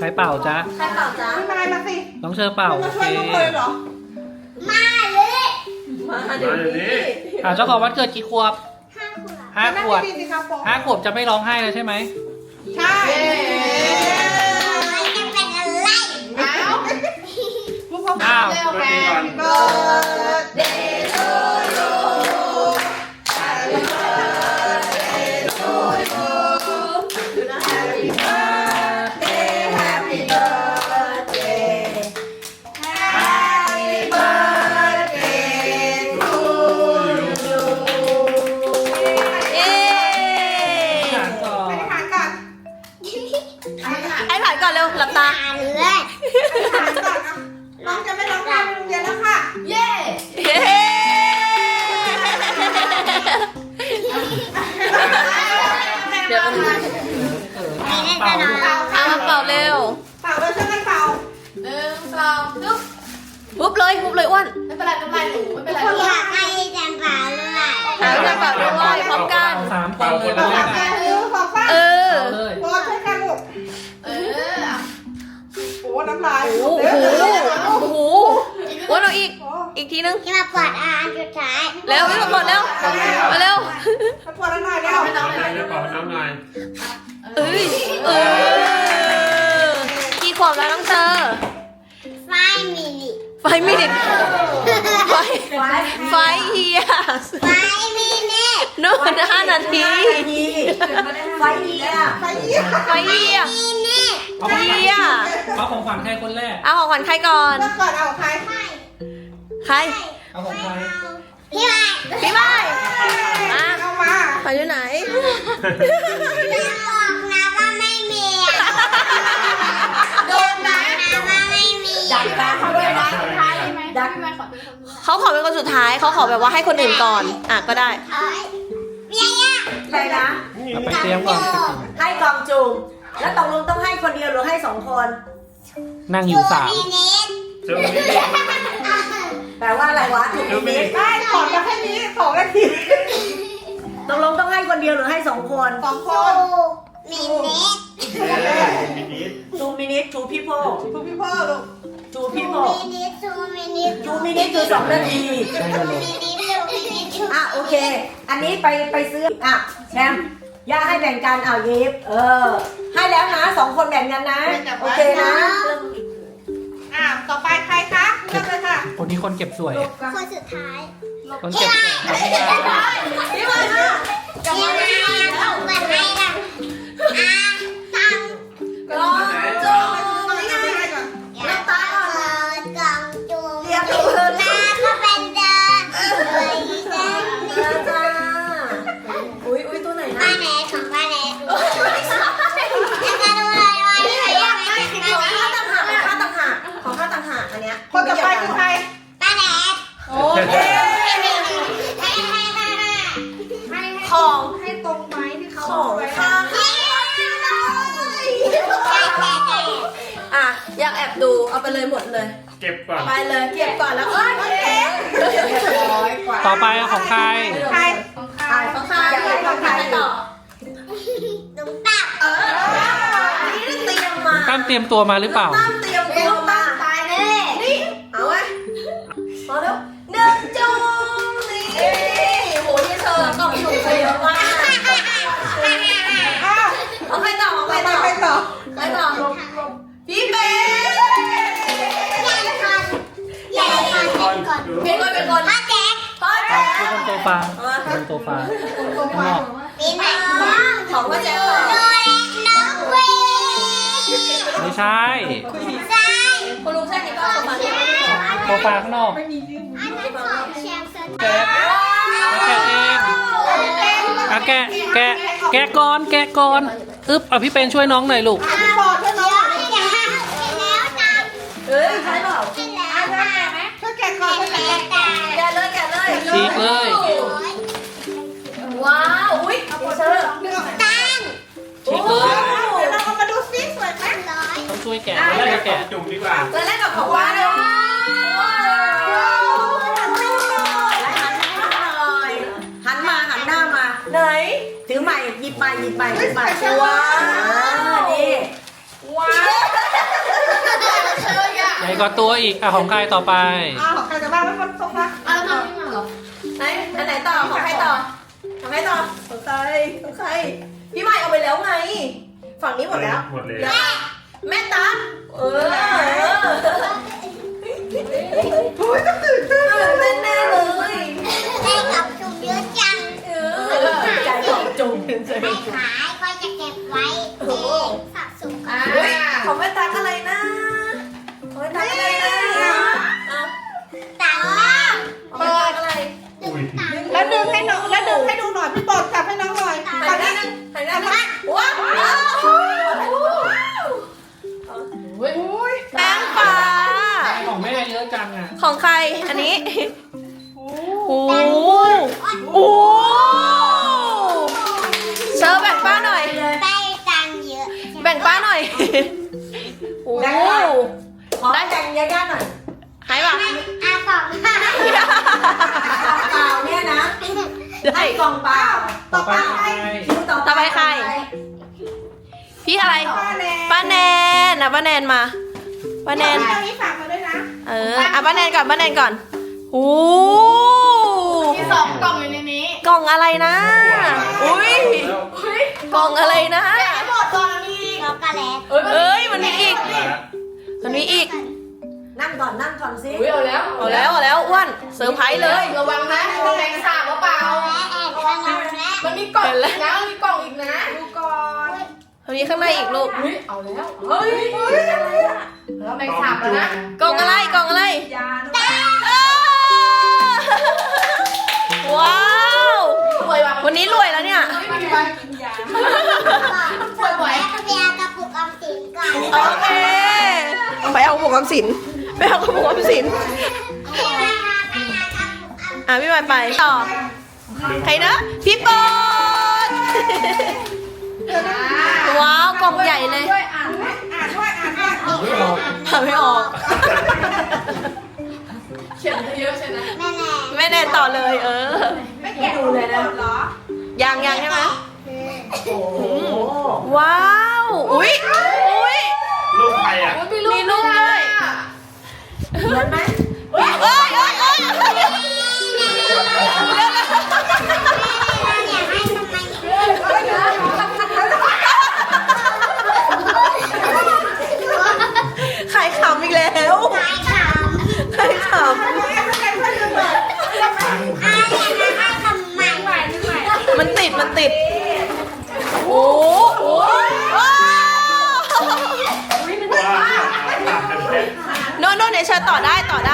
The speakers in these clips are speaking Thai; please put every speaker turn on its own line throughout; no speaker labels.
รเป่าจ๊ะ
ใครเป่าจ๊ะ
พี่มายมาสิ
น้องเชอเป่า
มา
โอ
ช่วย
เค
ลูกเลยเหรอ
มาเดี๋ยวนี้
เจ้าของวันเกิดกี่ขวบ
นั่ง
5 ขวบ
ดีๆสิครับผม
5 ขวบจะไม่ร้องไห้แล้วใช่ไหม
ใช่อ้าวพวกเขา
อ้าว
เร็วแม่พี่เบิร์ดเดย์ทูยูแฮปปี้เบิร์ดเดย์ทูยูแฮปปี้เบิร์ดเดย์แฮปปี้เบิร์ดเดย์แฮปปี้เบิร์ดเดย์ทูยู
เย้
ถามก่อน
ไปทานก่อน
ไอ้ผ่านก่อนเร็วหลับตา
ไปทานก่อนอ่ะน้องจะไม่ร้องไห้ไปโรงเรียนแล้วค่ะ เย้
เย้เดี๋ยว
เป่าลูก
เอามาเป่าเร็ว
เป่าเลยช่วยกันเป่า
ปุ๊บเลยอ้วน
ไม่เป็นไรหนูไม่เป็นไร
อยากให้แจมเปล่าด้วย
เอาจะเป่าด้วยพร้อมกัน
สามคนเลยนะ
ของป้า
เออ
เอาเลย
โอ้ช่วยกันลูกโอ้น้ำลาย
โอ้โหอ้วนเอาอีกทีนึง
ที่มาปวดอาอันสุดท้าย
เร็วพี่กดเร็วมาเร็ว
มาปวดแล้วหน่อยเร็ว
เอ้ยกี่ขวบแล้วน้องเธอ
ไฟมินิ
ไฟไม่ดิไฟเฮีย
ไฟมินิ
โน่น5 นาที
ไฟเหี้ย
ไฟเฮีย
มินิ
เอาของขวัญเอาของขวัญใครคนแรก
เอาของขวัญใครก่อน
เมื่อก่อนเอาใคร
ใคร
เอาของใคร
พี่ใหม่
พี่ไม้มา
เอามา
ไปอยู่ไหน
อย่าบอกนะว่าไม่มีโดนนะว่าไม่มี
ดักตาเขาด้วยนะดัก
เขาขอเป็นคนสุดท้ายเขาขอแบบว่าให้คนอื่นก่อนอ่ะก็ได้
เอ้ยเบียร์
อะไรนะ
เอาไปเตรียมก่อน
ให้กองจุ่มแล้วตกลงต้องให้คนเดียวหรือให้2 คน
นั่งอยู่3
มินิ
แปลว่าอะไรวะถูกนิด
ได้ขอมาแค่นี้2 นาที
ตกลงต้องให้คนเดียวหรือให้2 คน
2 ค
โอ้
น
มินิ
2 minutes 2 people
ทุกพี่พ่อลูก
2 people
มินิทูมินิทู
2 minutes คือ2 นาที
ใช่เลย
มินิทูมินิทู
อ่ะโอเค อันนี้ไปซื้ออ่ะแชมป์ย่าให้แบ่งกันเอายิบให้แล้วนะ2 คนแบ่งกันนะโอเคนะ
ต่อไปใครคะเริ่มเลยค่ะ
คนนี้คนเก็บสวย
คนสุดท้าย
คนเก็บสวย
พี่มาค่ะ
ยังไงต้องเปิดให้ละตัง
กองจุ่ม
น้ำตาก่อนเลยกล่องจุ่มหน้าก็เป็นเดินเลยเส้น
จ้าอุ้ยตัวไหนนะ
ป้าแนทของป้าแนทแล้วก็ดูเลยว่ายังไม่ถึง
ของข้าต่างหากของข้าต่างหากอันเนี้ย
คนต่อไปคือใคร
ป้าแนท
โอ้ย
ของ
ให้ตรงไหมที่เขา
ของข้าอ่ะอยากแอบดูเอาไปเลยหมดเลย
เก็บก่อน
ไปเลยเก็บก่อนแล้วโอเค
ต่อไปเอาของใคร
ใคร
ของใครของใครต่อ
ตุ้งตับ
นี่เตรียมมา
ตั้มเตรียมตัวมาหรือเปล่า
ตั้มเตรียมตัวมา
ตายแน่
นี่เอาไว้มาแล้วหนึ่งจุ่มนี่โหนี่เธอกล่องจุ่มเยอะมาก
อ้าว
เอาใครต่อเอาใคร
ไป
ต่อ
ไปต่อ
ใครต่อพี่เป๊
ใหญ่ก่อนก่อน
เป็นคน
ป้าแจ๊ก
พ่อ
ค
แจ๊
รับทุกคนโซฟาบนโซฟาข้างนอก
ปีนน้อง
ของพ่อแจ๊
โดเรน้องวี
ไม่ใช่
ใช่
คุณลุงใช่ไหมก็ประมาณนี้
โซฟาข้างนอก
อันนั้นของแชมป์ส
แกะแกะเองอ่ะแกะก่อนอึ๊บเอาพี่เป็นช่วยน้องหน่อยลูก
พี่ปอช่วยน้องหน่อย
แล้วตาม
เอ้ยใช่เปล่า
ขึ้นแล้ว
ช่วยแกะก่อนช่วยแกะ
ตา
แกะเลย
ฉีกเลย
ว้าวอุ้ยเอาเชิญ
ตัง
ฉีกเลย
เดี๋ยวเราเอามาดูซิสวยไหม
ร้อย
ต้องช่วยแกะแล้วจะแกะ
จุ่มดีกว่า
แล้วแรกกับของว้าเลยหันหน้ามาไหนถือใหม่หยิบใหม่ว้าวนี่
ว้าว
ใหญ่กว่าตัวอีกอ่ะของใครต่อไป
อ้าวของใครจะบ้างไม่คนตรงนะ
แล้วทำไม่มาเหรอไหนอันไหนต่อของใครต่อของใครต่อของใครของใครพี่ใหม่เอาไปแล้วไง ฝั่งนี้หมดแล้ว
หมดเลย
แม่ตั๊กตื่นเต้นแน่เลย
ได้กับจุ่มเยอะจัง
ใจของจุ่ม
ไม่ขายก็จะเก็บไว้เองสะสมกัน
ของแม่ตั๊กอะไรนะของแม่ตั๊กอะไรนะ
ต่างบ้าง
ของแม่ตั๊กอะไร
อุ้ย
แล้วดึงให้น้องแล้วดึงให้ดูหน่อยพี่โปรดจับให้น้องหน่อย
หันหน้าหันหน้าว้าวแป้งปลา
ของแม่เยอะจังอ่ะ
ของใครอันนี้โอ้โหเชอร์แบ่งป้าหน่อย
ได้ตังค์เยอะ
แบ่งป้าหน่อยโอ้
ขอได้แบ่งญาติๆหน่อย
ให้ป่ะ
อาสองค่ะ
เปล่าเนี่ยนะให้กล่องเปล่า
ต่อไปใคร
คิวต่อ
ต่อไปใคร พี่อะไร ป้าแนนนะป้าแนนมา ป้าแนน
เจ้านี้ฝากมาด้วยนะ
ป้าแนนก่อน ป้าแนนก่อนโอ้
มี2 กล่องอยู่ในนี้
กล่องอะไรนะ อุ้ยกล่องอะไรนะ
ไม่หมดก่อนมี
ช็อกโกแลต
เอ้ย มันมีอีก มันมีอีก
นั่งก่อนสิ
อุ้ยเอาแล้ว
เอาแล้วอ้วนเซอร์ไพรส์เลย
ระวังนะแมงสาบหรือเปล่า
และแอบข้างหลังและ
มันมีกล่องอีกนะมันมีกล่องอีกนะ
ดูก่อน
มันมีข้างในอีกลูก
อุ้ยเอาแล้วเฮ้ยแล้วแมงสาบแล้วนะ
กล่องอะไรกล่องอะไร
ยา
อ้าวว้าว
รวยว่ะ
วันนี้รวยแล้วเนี่ย
ไม่มีใบกินยา
ส่วนแม่เบียร์กระปุกออมสินก่อน
โอเค ไปเอากระปุกออมสินไปเอากระปุกออมสิน พี่ใหม่ไปต่อ ใครนะ พี่ปอนว้าว กล่องใหญ่เลย
ด้วยอ่านด้วยอ่านด้วยอ่านด้วย
ไม่ออก
หาไม่ออก
เขียนเยอะใช่ไหม
แม่แน่
ไม่แน่ต่อเลย
ไม่แกะดูเลยนะเหรอ
ยังใช่ไหม
โอ้โห
ว้าว อุ้ย
ลูกใครอ่ะ
มีลูก
มีลูกด้วย
เหมือนไหม
เอ้ยเอ้ยเอ้ย
อยากให้ทำไม
ใครขำอีกแล้ว
ขายขำ
ใครข
อาอยากให้ทำไม
ำมันติด โอ้โห
ว้าว
โน่นเนี่ยเชิญต่อได้อ้วนต่อ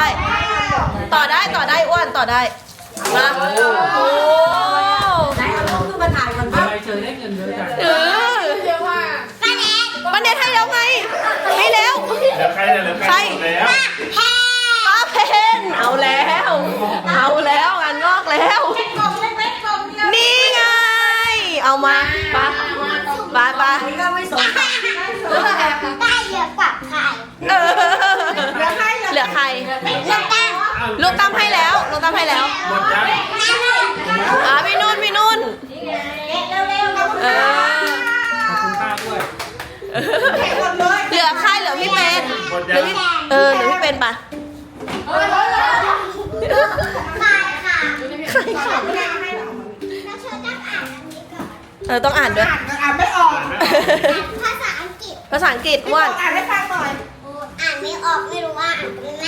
ได้มาโอ้
ไหนเอาลูกขึ้นมาถ่ายก่อน
ทำไมเจอได้เงินเยอะจัง
เออ
เยอะมาก
ป้าเนทให้แล้วไงให้แล้ว
เหลือใครเนี่ยเหลือใครหมดแล้ว
ป้าเพนเอาแล้วงานงอกแล้ว นี่ไง เอามาป้า
อันนี้ก็ไม่สน
ได้เยอะกว่าใคร
เออเหลือใคร ลูกตั้มให้แล้ว
หมดยัง
พี่นุ่น เออ
ขอบคุณป้าด้วย
เหลือใครเหลือพี่เป็น
หมด
เห
ยั
ลื
ง
อพี่เป็นปะ
ขายค่ะ
ใครข
แล้วเธอต้องอ่านอันนี้ก่อน
ำต้องอ่านด้วย
อ่านไม่ออก
ภาษาอังกฤษ
ภาษาอังกฤษอ้วน
อ่านให้ฟังหน่อย
อ่านไม่ออกไม่รู้ว่าอ่านเป็นไง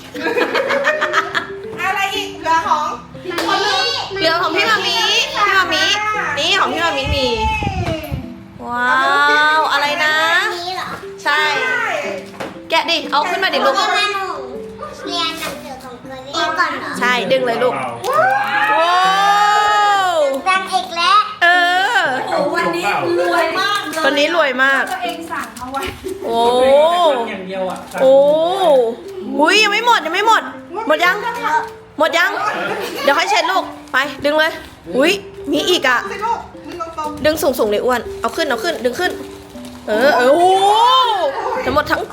อะไรอีกเหลือของ
เหลือของพี่มามีนี่ของพี่มามีมี ว้าว อะไรนะ
นี้เหรอ
ใช่ แกะดิ เอาขึ้นมาดิลูก
เรียนมาหนูเรียนหนังสือของตัวเองก่อนเหรอ
ใช่ ดึงเลยลูก ว้าว
ดังอีกแล้ว
เออ
โอ้วันนี้รวยมากเลย
วันนี้รวยมาก
ตัวเองสั่งเอาไว้
โอ้
อย่างเดียวอ่ะ
โอ้หุยยังไม่หมด หมดยัง เดี๋ยวค่อยเช็ดลูก ไป ดึงเลยหุยมีอีกอ่ะ
สิลูกมึงตรง
ดึงสูงเลยอ้วน เอาขึ้น ดึงขึ้น โอ้ทั้งหมดทั้ง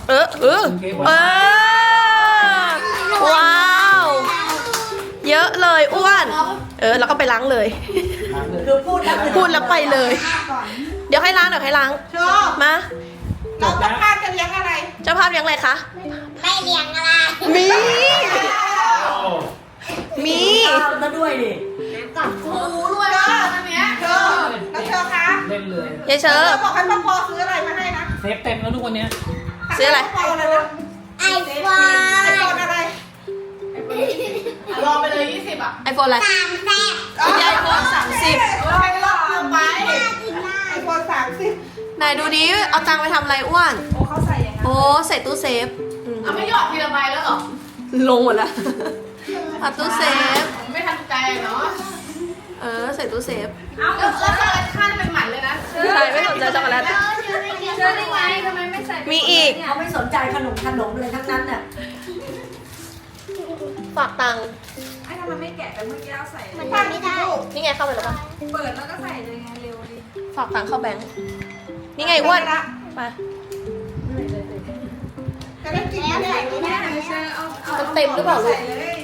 ว้าว เยอะเลยอ้วน แล้วก็ไปล้างเลย
คือพูดแล้ว
พูดแล้วไปเลย
ๆก่อน
เดี๋ยวให้ล้าง
ชอบ
มา
เราต้องการจะเลี้ยงอะไร
เจ้าภาพเลี้ยงอะไรคะ
แม่ให้เลี้ยงอะไร
มี
โอ้
มี
ข้าวซะด้วยดิ
กับครู
รู้ด้วยว่าอันเนี้ย
แล้วเธอคะ
เล่นเลย
เยเชอ
เธ
ร์
อบอกให้พ่อพอซื้ออะไรมาให้นะ
เซฟเต็มแล้วทุกวันเนี้ย
ซื้ออะไร
พ่ออะไรนะ
ไอโฟ
ไอโฟนอะไร
รอไปเลย20อ่ะ
ไอโฟนอะไร
3แซ่บ
ไอโฟน30
เอาไปรอบเดียวไป
น่ากินมาก
ไอโฟน30
ไหนดูดิเอาตังค์ไปทำอะไรอ้วน
โอ้เขาใส่ยังไง
โอ้ใส่ตู้เซฟ
เอาไม่หยอดทีละใบแล้วเหรอ
ลงหมดแล้วเอาตู้เซฟ
ไม่ทันใจเนาะ
ใส่ตู้เซฟ
แล้วช็อกโกแลตข้างเป็นหมันเลยนะ
ใช่ไม่สนใจช็อกโกแลต
เชื่อได้ไงทำไมไม่ใส่
มีอีก
เขาไม่สนใจขนมเลยทั้งนั้นน่ะ
ฝากตังค์
ไอ้ทำไมไม่แกะแต่เมื่อกี้เอาใส่
มันทำไม่ได้
นี่ไงเข้าไปแล้วปะ
เปิดแล้วก็ใส่เลยไงเร็วดิ
ฝากตังค์เข้าแบงค์นี่ไงอ้วนไป
จะได้กิน
แล้ว
ไหม
ใส่ไม่ได้
มันเต็มหรือเปล่าลูก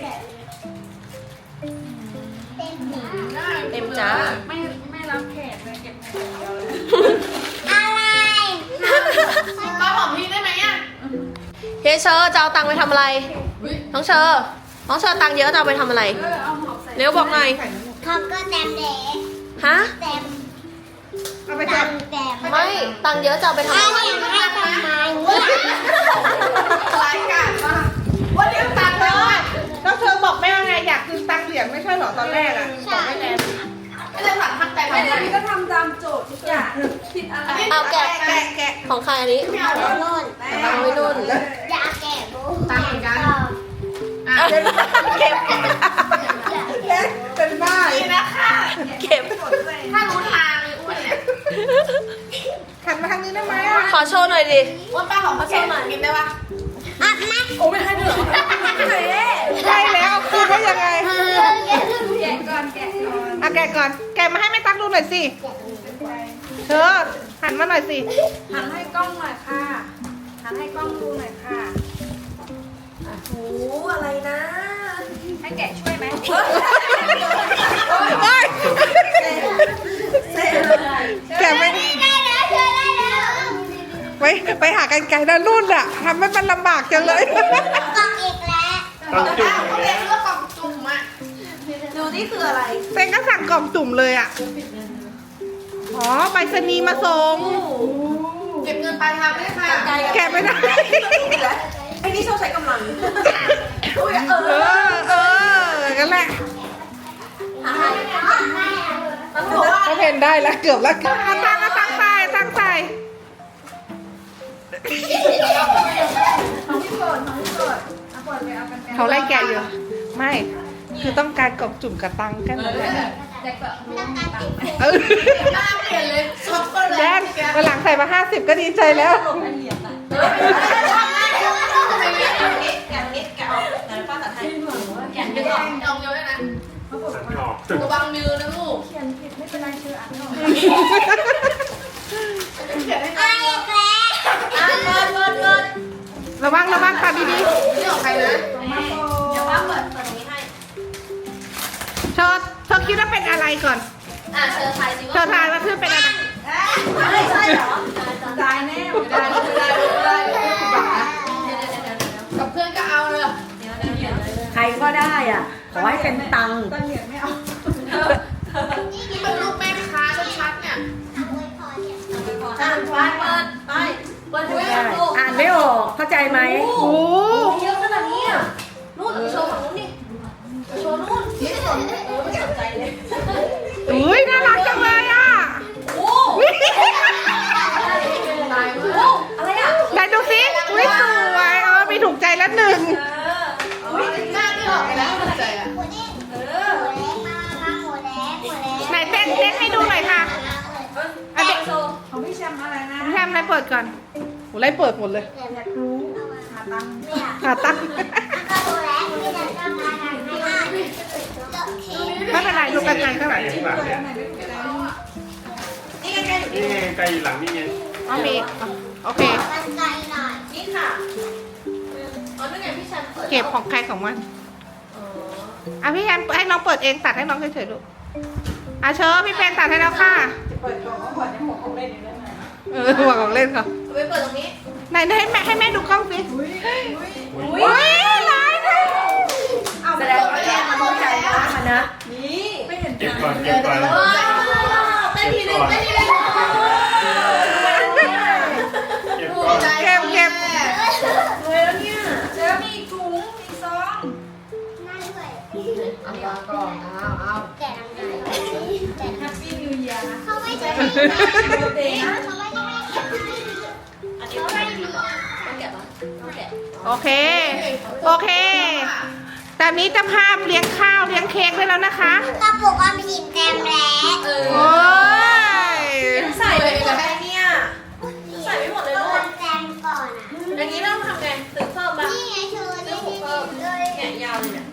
เต็ม
เต็มจ้า
ไม่รับแขกเลยเก็บแขก
อะไร
ป้าหอมพี่ได้ไหมอ่ะ
เฮเชอร์จะเอาตังค์ไปทำอะไร น้องเชอร์ตังค์เยอะจะเอาไปทำอะไร
เอาหอมใส่
เร็วบอกหน่อย
เขาก็เต็มเด็ก
ฮะ
เต็ม
เอาไป
เต็
จับ
มเต็ม
ไม่ ตังค์เยอะจะเอาไปทำอะไร
ให้ทำไมเนี่ย
รายการมากวันนี้ตังค์แล้วอ่ะ
แล้วเธอบอกแม่ว่าไงอยากคืนตังค์เหรียญไม่ใช่เหรอตอนแรกอ่ะบอกไม่แน่
ไม่ได้สั่งทักแต่ไม่ได้พี่ก็ทำตามโจทย์ทุกอย่างผิดอะไร
เอาแกะ
แกะ
ของใครอันนี้
ไม่เอาแล้ว
นู่น
เอาไว้นู่น
อย่าแกะดู
ตังค์เหมือนกัน
เก็บ
เล็กเป็นบ้า
นี่นะคะ
เก็บ
ถ้ารู้ทางเลยอ้วนเนี่ย
ขันมาทางนี้ได้ไหมอ่ะ
ขอโชว์หน่อยดิ
อ้วนป้าของเขาโชว์หน่อยกินได้ปะ
อ่ะแม่
โอ้ไม่ให้ด้วยเหรอ
ใช่แล้วคืนได้ยังไง
แกะก่อนแกะก่อน
อ่ะแกะก่อนแกะมาให้แม่ตั๊กดูหน่อยสิเธอหันมาหน่อยสิ
หันให้กล้องหน่อยค่ะหันให้กล้องดูหน่อยค่ะ
โอ้อะไรนะ
ให้แกะช่วยไหม
โอ๊ยแกะไม่
ได้แล้วเธอได้แล้ว
ไปหากันไกลด้านรุ่นอ่ะทำให้มันลำบากจังเลย
กล่องอีกแล้ว
ต้องจุ่ม
เขา
เล
เรี
ย
ยกว่ากล่องจุ่มอ่ะ
ดูนี่คืออะไร
เซนก็สั่งกล่องจุ่มเลยอ่ะ อ๋อไปรษณีย์มาส่ง
เก็บเงินปลายทางได้ค่ะ
แกะไม่ได้
ไอ้นี่ชอบใช้กำลัง
เออกันแหละก็เพนได้แล้วเกือบแล้วตั้งใส่เขาไล่แกะอยู่ ไม่ คือต้องการกล่องจุ่มกับตังค์กันเลยเออ
หน้าเปลี่ยนเลยช็อกโกแล
แด
ต
นวันหลังใส่มา50ก็ดีใจแล้ว
ลองเยอะเลยนะ
สันออก
ระวังมือนะลูก
ไอ้แกล้
ระวังตัดดี
นี่ของใครนะ
เดี๋ยวป้าเปิดตรงนี้ให้
ๆเธอคิดว่าเป็นอะไรก่อน
เชิญทายสิ
เธอทายว่าเพื่อนเป็นอะไร
ไม่ใช่เหรอ
ตายแน่ไม่ได้กับเพื่อนก็เอาเลย
ใครก็ได้อ่ะ ขอให้เป็นตังค์
นี่มันลูกแม่ค้าชัดๆเนี่ย
เปิดให้
ได้
ดู
อ่านไม่ออกเข้าใจไหม
โอ้โห
เยอะขนาดนี้อ่ะนู่นโชว์ฝั่งนู้นนี่โชว์นู่นไม่สนไม่สนใจเลย
อุ้ยน่ารักจังเลยอ่ะ
โอ้อะไรอ่ะ
ไหนดูสิอุ้ยสวยมีถูกใจแล้วหนึ่ง
หน้าที่ออกไปแล้วใจอ่ะ
หมูเด้งหมูเด้งมาหมูเด้งหมูเด้ง
ไหนเต้นให้ดูหน่อยค่ะอ่ะเด็ก
ของพี่แชมป์อะไรนะ
แทมไล่เปิดก่อนโหไล่เปิดหมดเลย
อยากรู้เนี่ย
หาตั้ง
ก็รู้แล้วที่จะทำอะไรให้
ไม่เป็นไรลูกกันไกลเท่าไหร่
ข้างหลังเนี่ยนี่ไงไกลอยู่หลังนี่ไง
อ๋อมีโอเค
กันไกลหน่อย
นี่ค่ะอ๋อนั่นไงพี่ชันเปิด
เก็บของใครของมันอ่ะพี่แอมให้น้องเปิดเองตัดให้น้องเฉยๆลูกอ่ะเชิญพี่เพนตัดให้แล้วค่ะ
เปิดกล่องก็เปิดในหัวของเล่นอยู่ได้ไหม
หัวของเล่นเขา
ไปเปิดตรงนี้
อไหนให้แม่ดูกล้องสิอุ้ยลายเลย
แสดงว่าแม่มันเข้าใจนะมันนะ
เก็บก่อนเก็บก่อน
เต้นทีนึงเต้นทีนึง
เก็บก่อน
เก็บ
เจอมีถุงมีซอง
นั่นด้วย
เอาวางก่อนเอา
แกะทำไงแกะ
แฮปปี้นิวเยียร์นะ
เขาไม่จะให้เขาไม่จะให้เขาไม่มี
โอเคโอเคตอนนี้เจ้าภาพเลี้ยงข้าวเลี้ยงเค้กได้แล้วนะคะ
กระปุกออมสินเต็มแล้ว
โอ้ย
ใส่ไปกับแม่เนี่ยใส่ไม่หมดเลยลูก
แจมก่อนอ่ะ
อย่างนี้ต้องทำไงซื้อเพิ่มป่ะ
นี่ไงเธอนี่เลย
แกะยาวเลยเนี่ย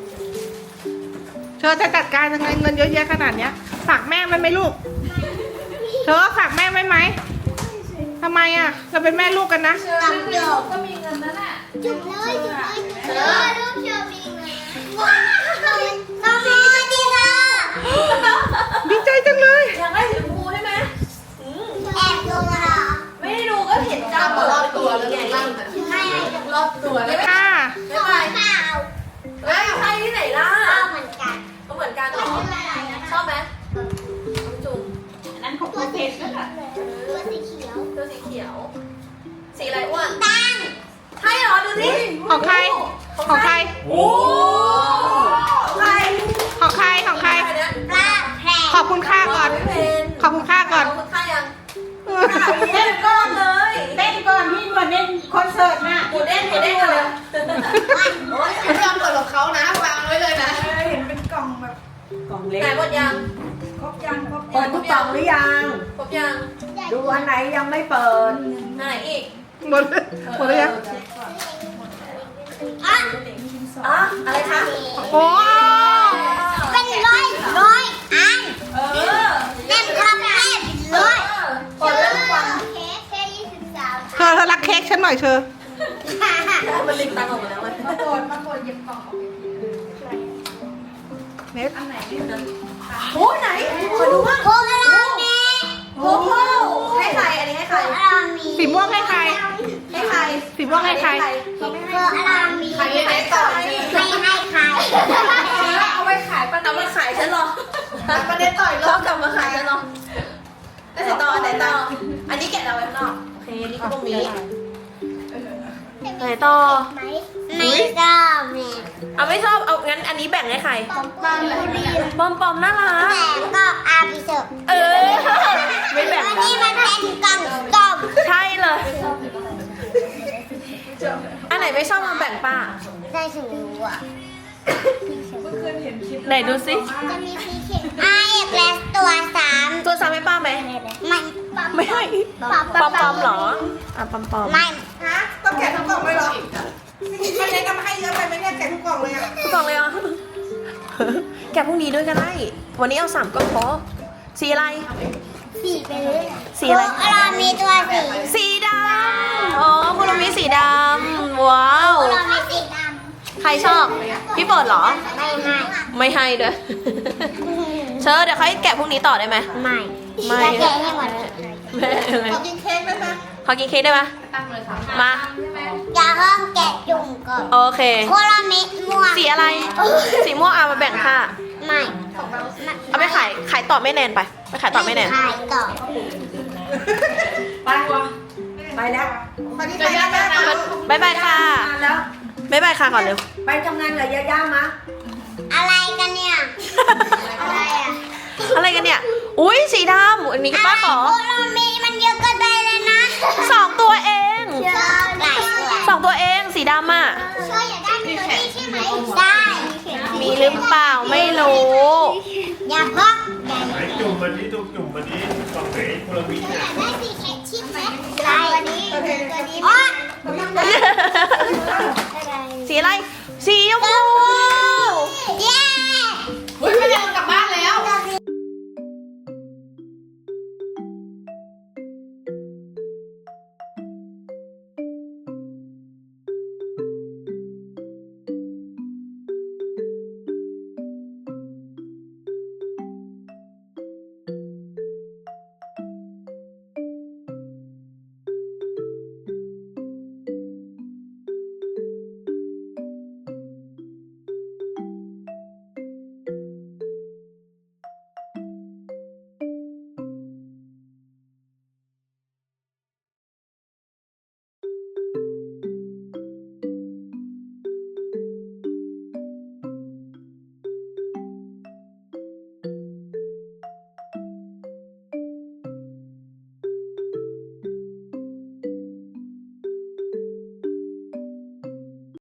เธอจะจัดการยังไงเงินเยอะแยะขนาดเนี้ยฝากแม่ไว้ไหมลูกเธอฝากแม่ไว้ไหมทำไมอ่ะเราเป็นแม่ลูกกันนะ
กับโยก
ก็มีเงินนั่นแหละ
จุ๊บเลยจุ๊บเลยจุ๊บเลยรูปเชอร์มีเลยว้าวน้องดีค่ะ
ดีใจจังเลย
อยากได้สีชมพูใช่ไหม
แอบดูเหรอ
ไม่ได้ดูก็เห็นจ้ามรอบตัวแล้วไง
ไม่
รอบตัวเลย
ค่ะ
ขอข้าว
เฮ้ยใช่ที่ไหนล่ะ
ข้าวเหมือนกัน
ก็เหมือนกันเหรอ ชอบไหมน้องจุ่ม
ตัวสีเขียวตัวสีเขียว
ตัวสีเขียว สีอะไรอ้วน
ตั้ง
ใช่เหรอ ดูสิ
ของใครของใคร
โอ้
ใคร
ของใครของใคร
ใครเนี่ย
ปลาแพร
ขอบคุณค่าก่อน
ไม่เพน
ขอบคุณค่าก่อน
ขอบคุณค่ายัง
เต้นก่อนเลยเต้นก่อนพี่ก่อนเล่นคอนเสิร์ตนะ
หมูเด้งกันเลย
โอ้ยไม่ยอมเปิดของเขานะวางไว้เลยนะ
เห็นเป็นกล่องแบบกล่องเล็ก
ไหนหมดยัง
ครบยังเปิดทุกกล่องหรือยัง
ครบยัง
ดูอันไหนยังไม่เปิด
ไหนอีก
หมดเลยหมดเลยยัง
อ่ะ
อ๋ออะไรคะ
โอ้
เป็นร้อยอัน
เออ
เล่นคอมเล่นร้อย
กดแล้วทุกวัน
เค้กแค่23
เธอรักเค้กฉันหน่อยเธอ
มันลิงตังออกมาแล้วมัน
มาโกดหยิบกล่องออก
เน็ต
อันไหนไม่รู้
โอ้ไหนขอดูว่า
โคอารามี
โอ้โหให้ใครอันนี้ให้ใคร
โคอารามี
สีม่วงให้ใคร
ให้ใคร
สีม่วงให้ใคร
โคอารามี
ใครได้ก่อน
ไม่ให้ใคร
เอาไว้ขายปะ
เอามาขายฉันหรอประเด็นต่อยรอบกลับมาขายฉันหรอไอ้สีต่ออันไหนต่ออันนี้แกะเอาไว้ข้างนอกโอเคอันนี้ก็ตรงนี้ไหนต่อ
ไม่ชอบแม่
เอาไม่ชอบเอางั้นอันนี้แบ่งให้ใคร
บางคนเรียน
ปอมปอมน่ารัก
แต่ก็อาบิเซอร์
เออไม่แบ่ง
อัน
กั
นี้
น
มันเป็นกล่องต้ม
ใช่เลย อันไหนไม่ชอบมาแบ่งป้า
ได้ถึงรู้อ่ะ
ไหนดูสิ
จะมีพีเคนไอเอกและตัวสาม
ตัวซ้ำให้ป้าไหม
มัน
ไม่ให้
ปอม
ปอมปอมเหรออ่ะปอมปอม
ไม่
ต้องแกะทุกกล่องเลยเหรอไม่ได้ก็ให้เยอะไปไหมเนี่ยแกะทุกกล่องเลยอ่ะ
ทุกกล่องเลยเหรอแกะพรุ่งนี้ด้วยก็ได้ วันนี้เอา3ก็พอสีอะไร
สีไปเลย
สีอะไร
โคอารามีตัวสี
สีดำอ๋อคุณลุงมีสีดำว้าว
โคอารามีสีด
ใครชอบ พี่เปิดเหรอ
ำไม่ให้
ไม่ให้ด้วย เชิญเดี๋ยวเขาให้แกะพรุ่งนี้ต่อได้ไหม
ไม่
ไม่
จะแกะให้หมด
แม่อะไร
ขอกินเค้กได้ไหม
ขอกินเค้กได้ไหม
ตั้งเลยค่ะ
มา
ใช่ไหม
อย่าเพิ่งแกะจุ่มก่อน
โอเค
โคอารามีม่วง
สีอะไร สีม่วงเอามาแบ่งค่า
ไม่
เอาไปขายต่อแม่แนนไปขายต่อแม่แนน
ขายต่อ
ไปวะไปแล้วไปที่ไหนนะแม่
บ๊ายบายค่ะ
ทำงานแล้ว
บ๊ายบายค่ะก่อนเร็ว
ไปทำงานกับย่าๆมะ
อะไรกันเนี่ย อะไรอ่ะ
อะไรกันเนี่ย อุ้ยสีดำอันนี้ป้าขอ
โคอารามีมันเยอะเกินไปเลยนะ
2 ตัวเอง
เชื่อหลายตัว
2 ตัวเองสีดำอ่ะ
เชื่ออยากได้ตัวนี้ใช่ไหมได้
มีหรือเปล่าไม่รู้
อย่าเพิ่ง
ไหนจุ่มมันนี้จุ่มมันนี้กล่องไหนคนละวิ
อ
เนี่ย
ยากได้สีแข็งชิปไหมได้ตัวนี้ตัวนี้อ๋อ
สีอะไร สีชมพู